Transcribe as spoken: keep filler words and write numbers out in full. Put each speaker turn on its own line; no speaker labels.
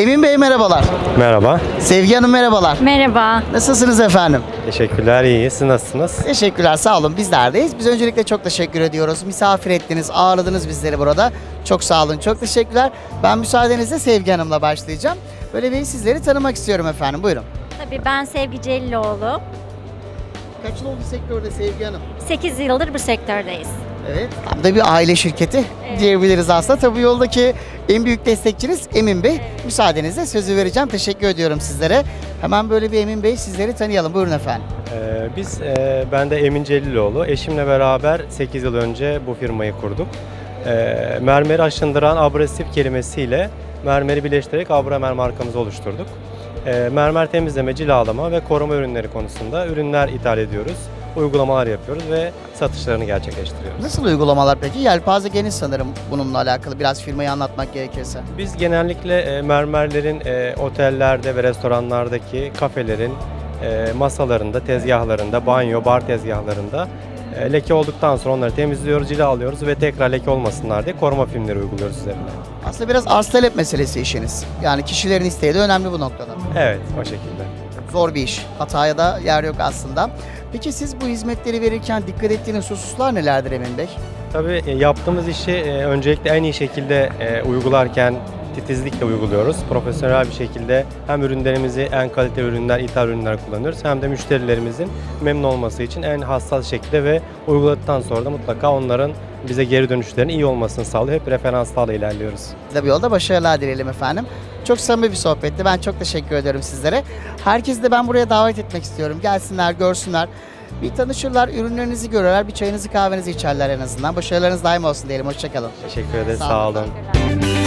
Emin Bey merhabalar.
Merhaba.
Sevgi Hanım merhabalar.
Merhaba.
Nasılsınız efendim?
Teşekkürler, iyi. Siz nasılsınız?
Teşekkürler, sağ olun. Bizlerdeyiz. Biz öncelikle çok teşekkür ediyoruz. Misafir ettiniz, ağırladınız bizleri burada. Çok sağ olun, çok teşekkürler. Ben müsaadenizle Sevgi Hanım'la başlayacağım. Böyle bir sizleri tanımak istiyorum efendim. Buyurun.
Tabii ben Sevgi Celiloğlu.
Kaç yıl oldu sektörde Sevgi Hanım?
sekiz yıldır bu sektördeyiz.
Evet. Tam da bir aile şirketi
Evet.
diyebiliriz aslında. Tabii yoldaki en büyük destekçiniz Emin Bey. Müsaadenizle sözü vereceğim. Teşekkür ediyorum sizlere. Hemen böyle bir Emin Bey sizleri tanıyalım. Buyurun efendim.
Ee, biz, e, ben de Emin Celiloğlu. Eşimle beraber sekiz yıl önce bu firmayı kurduk. Ee, mermeri aşındıran abrasif kelimesiyle mermeri birleştirerek Abramer markamızı oluşturduk. Ee, mermer temizleme, cilalama ve koruma ürünleri konusunda ürünler ithal ediyoruz. Uygulamalar yapıyoruz ve satışlarını gerçekleştiriyoruz.
Nasıl uygulamalar peki? Yelpaze geniş sanırım bununla alakalı. Biraz firmayı anlatmak gerekirse.
Biz genellikle e, mermerlerin e, otellerde ve restoranlardaki kafelerin e, masalarında, tezgahlarında, banyo, bar tezgahlarında e, leke olduktan sonra onları temizliyoruz, cilalıyoruz ve tekrar leke olmasınlar diye koruma filmleri uyguluyoruz üzerine.
Aslında biraz arz talep meselesi işiniz. Yani kişilerin isteği de önemli bu noktada.
Evet, o şekilde.
Zor bir iş. Hataya da yer yok aslında. Peki siz bu hizmetleri verirken dikkat ettiğiniz hususlar nelerdir Emin Bey?
Tabii e, yaptığımız işi e, öncelikle en iyi şekilde e, uygularken titizlikle uyguluyoruz. Profesyonel bir şekilde hem ürünlerimizi en kaliteli ürünler, ithal ürünler kullanıyoruz hem de müşterilerimizin memnun olması için en hassas şekilde ve uyguladıktan sonra da mutlaka onların bize geri dönüşlerinin iyi olmasını sağlıyor. Hep referanslarla ilerliyoruz.
Biz de bu yolda başarılar dileyelim efendim. Çok samimi bir sohbetti. Ben çok teşekkür ediyorum sizlere. Herkesi de ben buraya davet etmek istiyorum. Gelsinler, görsünler. Bir tanışırlar, ürünlerinizi görürler, bir çayınızı kahvenizi içerler en azından. Başarılarınız daim olsun diyelim. Hoşçakalın.
Teşekkür ederiz.
Sağ
Sağ
olun.
olun.
Teşekkürler.